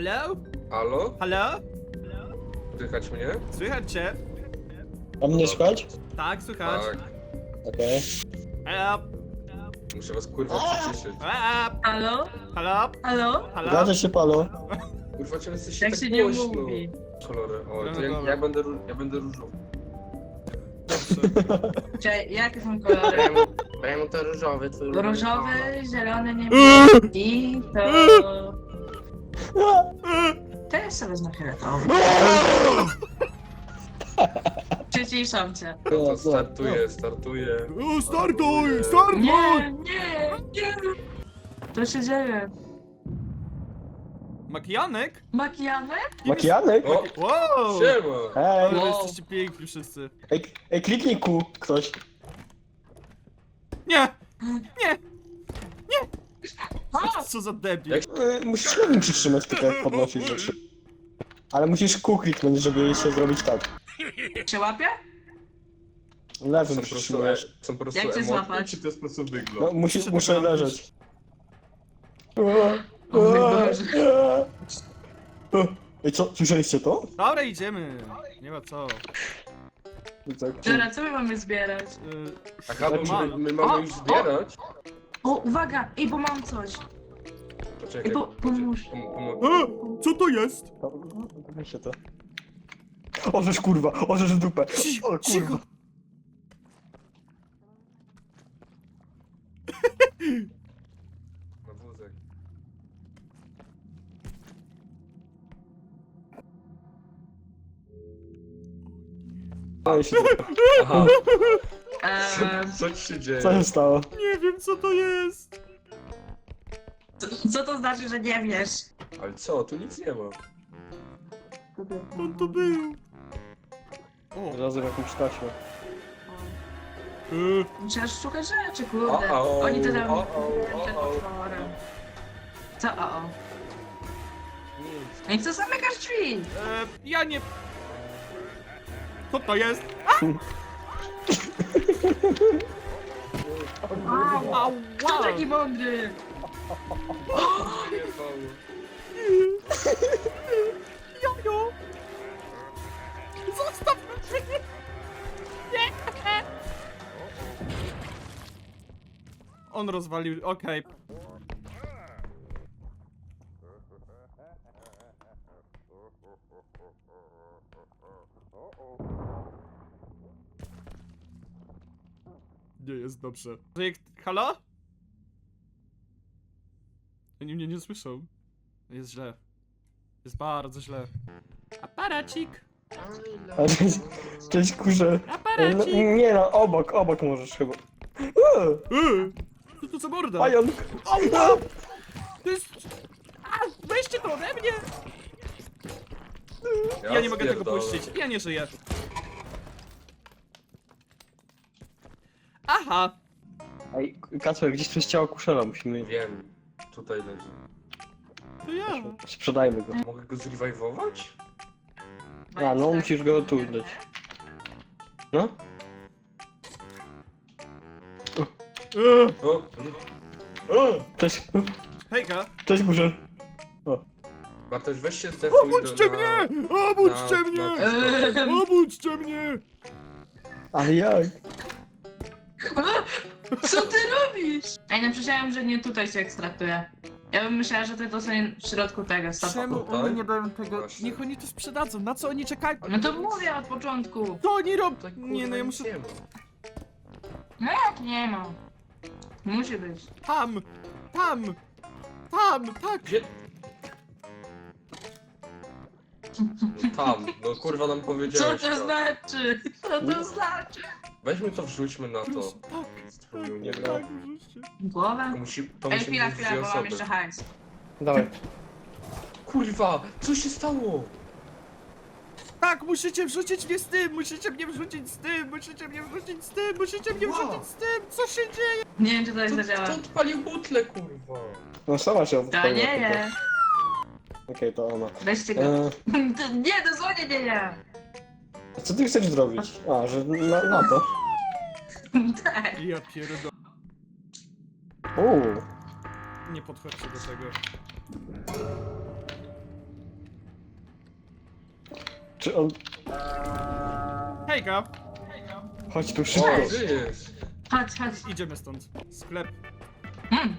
Halo? Halo? Halo? Słychać mnie? Słychać cię? A mnie słychać? Tak, słychać. Tak. Okej. Halo? Muszę was kurwa przyciszyć. Halo? Halo? Halo? Halo? Zgadza się, Palo. Kurwa, czemu jesteście Jak tak się nie głośno? mówi. Kolory. O, to Dobra. ja będę różowy. Cześć, jakie są kolory? Brałem to różowy, twój Różowy, zielony, niebieski to... To ja sobie wezmę fioletowy. Przyciszam cię. No to startuję. O, startuj! Startuj! Nie, nie, nie! Co się dzieje? Makijanek? Makijanek? Makijanek? O, Wow! siema! Hej. Ale Wow. jesteście piękni wszyscy. Ej, kliknij Q, ktoś. Nie! A! Co za debil. Jak- Musisz lewym przytrzymać, tylko jak podnosisz rzeczy. Ale musisz Q kliknąć, żeby się zrobić tak. Się łapie? Lewym Są po prostu, przytrzymujesz. są po prostu Jak cię emotki, złapać? czy to jest po prostu No, wygląd? muszę leżeć. O mój Boże. Ej, co? Słyszeliście to? Dobra, idziemy. Nie ma co. Tak. Dobra, co my mamy zbierać? Aha, bo Mam. my mamy już zbierać? O, uwaga! Ej, bo mam coś! Poczekaj, Pomóż. pomogę. Co to jest? Weźcie to. Orzesz kurwa, orzesz w dupę. O Cicho. kurwa. Na wózek. Ej, się Aha, Eee, co ci się dzieje? Co się stało? Nie wiem co to jest. co to znaczy, że nie wiesz? Ale co, tu nic nie ma. On to był. O. Razem jakąś taśmę. Musisz szukać rzeczy, kurde. O-o, Oni to tam... o-o, przed o-o. otworem. Co o? Nic. No i co zamykasz drzwi? Ja nie... Co to jest? Wow. Kto Ała! taki mądry? Jojo! Zostaw mnie! Nie! On rozwalił, okej. Nie jest dobrze. Halo? Oni mnie nie słyszą. Jest źle. Jest bardzo źle. Aparacik! A cześć kurze. No, Aparacik! nie no, obok możesz chyba. Co to za morda? Pająk. Ała! To jest... A, weźcie to ode mnie! Ja nie mogę tego spierdolę. puścić. Ja nie żyję. Aha! Ej, Kacper, gdzieś przez ciało kuszela musimy... Wiem, tutaj leży. To ja. Sprzedajmy go. Mogę go zrewajwować? A, no musisz go tu dać. No? O! O! Cześć. Hejka! Cześć kurze. Bartosz, weź się zdefuj Obudźcie mnie! Obudźcie na- mnie! na- Obudźcie mnie! Ale jak? Co ty robisz? Ej, no myślałem, że nie tutaj się ekstraktuje. Ja bym myślała, że to są w środku tego, stop. Czemu tutaj? oni nie dają tego? Właśnie. Niech oni to sprzedadzą. Na co oni czekają? No to mówię od początku. To oni robią! Tak, Nie kurwa, no, ja nic muszę... nie ma. No jak nie ma? Musi być. Tam! Tam! Tam! Tak! Gdzie? No tam, no kurwa nam Co powiedziałeś to znaczy? Co to znaczy? Weźmy to, wrzućmy na to. Proszę, tak! Spróbuj, nie wiem. Tak, wrzućcie. Głowę? To Ej, musi chwila, być chwila, dwie bo mam osoby. jeszcze hajs. Dawaj. Kurwa, co się stało? Tak, musicie wrzucić mnie z tym! Musicie mnie wrzucić z tym! Musicie mnie wrzucić z tym! Musicie mnie Wow. wrzucić z tym! Co się dzieje? Nie wiem, czy to jest Kto zadziała. odpalił butlę, kurwa? No sama się To odpaliła nie tylko. je. Okej, to ona. Weźcie go. Nie, dosłownie nie. Co ty chcesz zrobić? A, że na to. Tak. Ja pierdolę. Uuu. Nie podchodźcie do tego. Czy on... Hejka! Chodź tu szybko. O, żyjesz. Chodź, chodź. Idziemy stąd. Sklep. Mm.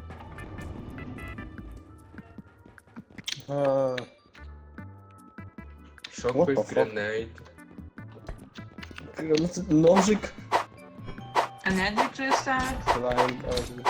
A, Shockwave What the fuck? grenade. Nożyk. Energy Crystal. Flying,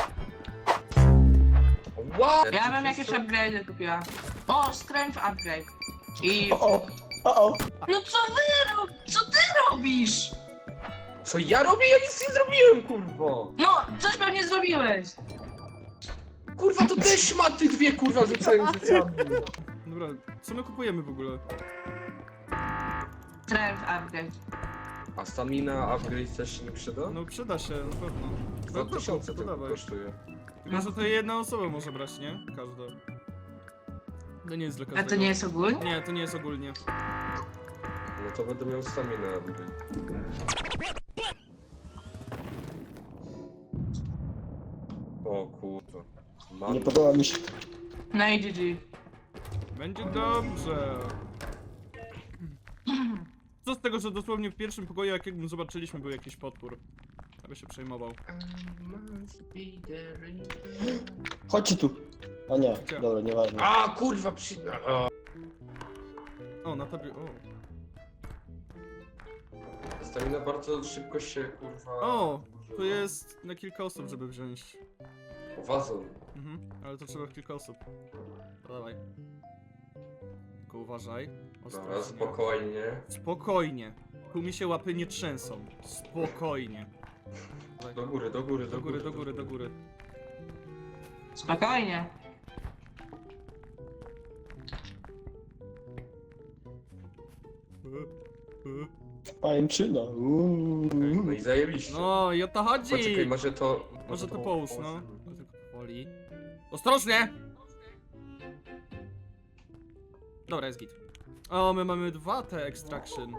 What? Ja bym jakieś upgrade kupiła. O, strength upgrade. I... O. No co co ty robisz? Co ja robię? Ja nic nie zrobiłem, kurwa. No, coś pewnie zrobiłeś. Kurwa, to też szmaty dwie, kurwa, rzucają rzucami. Dobra, co my kupujemy w ogóle? Strength upgrade. A stamina upgrade też się nie przyda? No przyda się, na pewno. 2000 to tylko dawaj. kosztuje. Tylko, że to jedna osoba może brać, nie? Każda. To nie jest dla A każdego. to nie jest ogólnie? Nie, to nie jest ogólnie. No to będę miał staminę upgrade. O kurwa. Mam... Nie podoba mi się. No i GG. Będzie dobrze. Co z tego, że dosłownie w pierwszym pokoju, jakiego zobaczyliśmy, był jakiś potwór. Aby się przejmował. Chodźcie tu. O nie, Gdzie? dobra, nieważne. A kurwa, O, na tobie. O. Stamina bardzo szybko się kurwa... O, używa. to jest na kilka osób, żeby wziąć. Wazon. Mhm, ale to trzeba kilka osób. To dawaj. Tylko uważaj. Dobra, Ostrożnie. spokojnie. Spokojnie. Tu mi się łapy nie trzęsą. Spokojnie. Dawaj. Do góry, do góry, Do góry, do góry, do góry. Spokojnie. Pajęczyna. No i zajebiście. No i o to chodzi! Poczekaj, może to... Może to połóż, no. No tylko powoli. Ostrożnie! Dobra, jest git. O, my mamy dwa te extraction.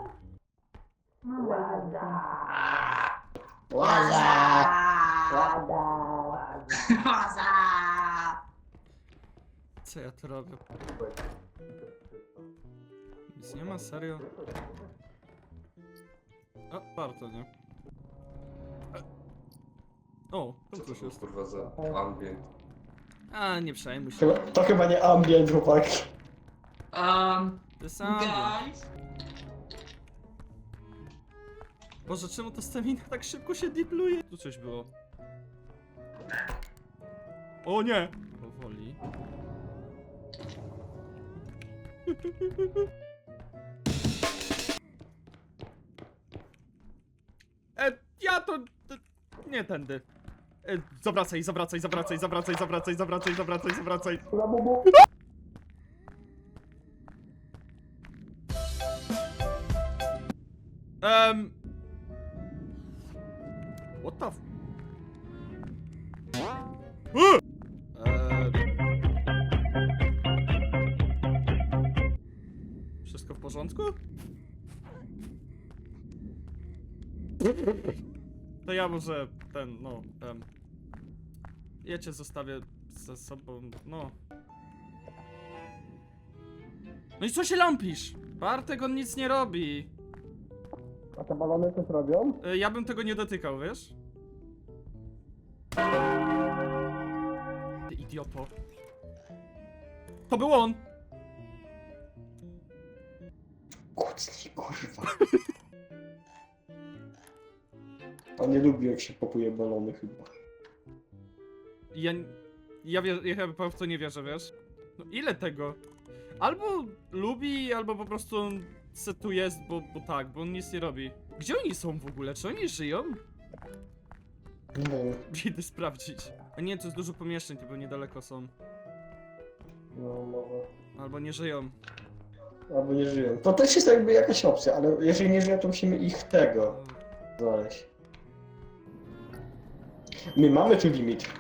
Co ja tu robię? Nic nie ma, serio? O, warto, nie? O, Co tam to coś jest jest. kurwa za ambient? A, nie przejmuj się. To chyba nie ambient, chłopaki. To jest ambient. Guys. Boże, czemu ta stamina tak szybko się dipluje? Tu coś było. O nie! Powoli. Ja to... Nie tędy. Zawracaj, zawracaj, zawracaj, zawracaj, zawracaj, zawracaj, zawracaj, zawracaj. What the f... Wszystko w porządku? To ja może no, ja cię zostawię ze sobą, no. No i co się lampisz? Bartek, on nic nie robi. A te balony coś robią? Ja bym tego nie dotykał, wiesz? Ty idioto. To był on! Kucnij, kurwa. On nie lubi, jak się popuje balony chyba. Ja chyba w to nie wierzę, wiesz? No ile tego? Albo lubi, albo po prostu on se tu jest, bo tak, bo on nic nie robi. Gdzie oni są w ogóle? Czy oni żyją? Nie, Idę sprawdzić. A nie, to jest dużo pomieszczeń, to niedaleko są. no może. Albo nie żyją. Albo nie żyją. To też jest jakby jakaś opcja, ale jeżeli nie żyją, to musimy ich tego znaleźć. My mamy tu limit.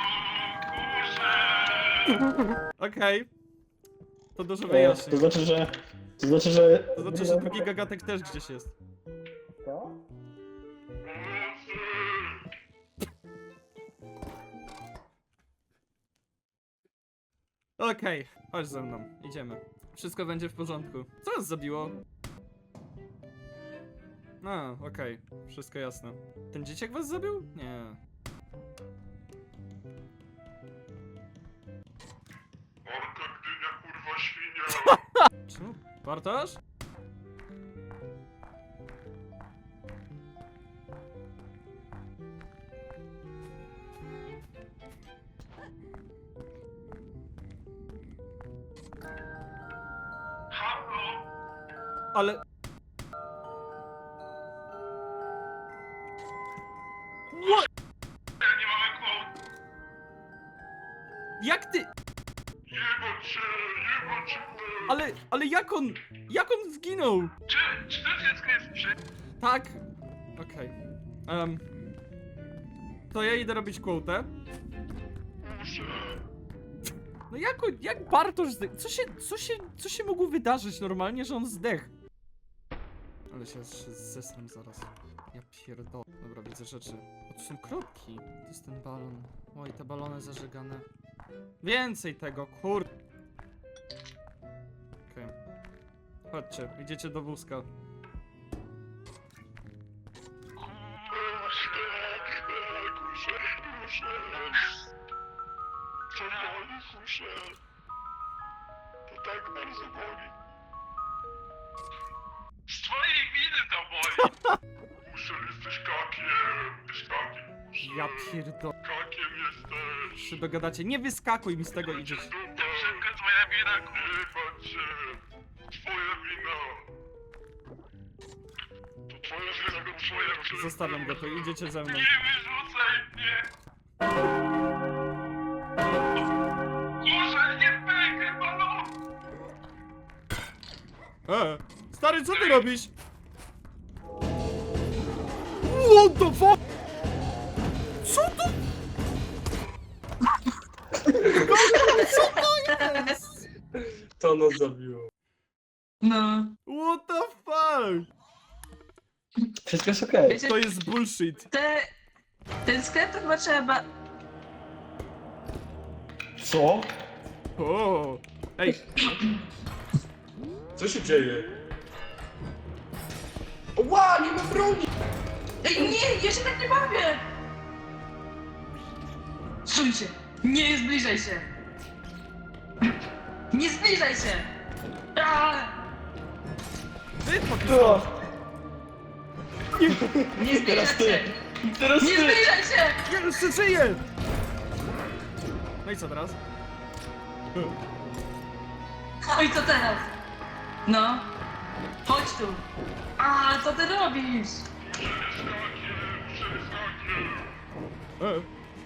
Okej. To dużo To wyjaśni. znaczy, że... To znaczy, że... To znaczy, że drugi gagatek też gdzieś jest. Co? Okej, chodź ze mną, idziemy. Wszystko będzie w porządku. Co nas zabiło? A, okej. Wszystko jasne. Ten dzieciak was zabił? Nie. Orka, Gdynia, kurwa, świnia! Czemu? Bartosz? Halo! Ale... What? Ja nie mamy kłopot! Jak ty... Jebać cię, Ale jak on... Jak on zginął? Czy to dziecko jest przy... Tak. Okej. To ja idę robić quotę. Muszę... No jak Bartosz zdech? Co się mogło wydarzyć normalnie, że on zdech? Ale się zesram zaraz. Ja pierdolę. Dobra, widzę rzeczy. O, tu są kropki. To jest ten balon. Oj, te balony zażegane. Więcej tego, kur... Okej. Chodźcie, idziecie do wózka. Kuszę. To boli, kuszę. To tak bardzo boli. Z twojej winy to boli! Kuszę, jesteś kakiem, Ja pierdolę. kakiem jesteś. Się dogadacie. Nie wyskakuj mi z tego, idziesz. Dziewczynka, twoja wina, kurwa cię. Twoja wina. To twoja wina, to twoja wina. Zostawiam go tu, idziecie ze mną. Nie wyrzucaj mnie! Kurze, nie pękaj, balon! Stary, co ty robisz? What the fuck? Co to? Co to jest? To nas zabiło. No. What the fuck? Wszystko jest okej. Wiecie, To jest bullshit. ten sklep to chyba trzeba... Co? O. Ej, Co się dzieje? Ła, nie ma broni! Ej, nie, ja się tak nie bawię! Stój się! Nie zbliżaj się! Nie zbliżaj się! Aaa! ty O, Pakistan. Nie zbliżaj Teraz ty. się! teraz Nie ty! zbliżaj się! Ja jeszcze żyję! No i co teraz? No i co teraz? No. Chodź tu. A, co ty robisz? E.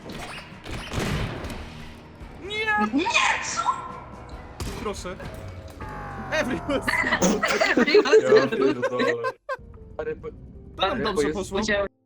Nie! Nie, co? Proszę. Everyone. Ja pierdolę. Ale To nam dobrze poszło. Musiałem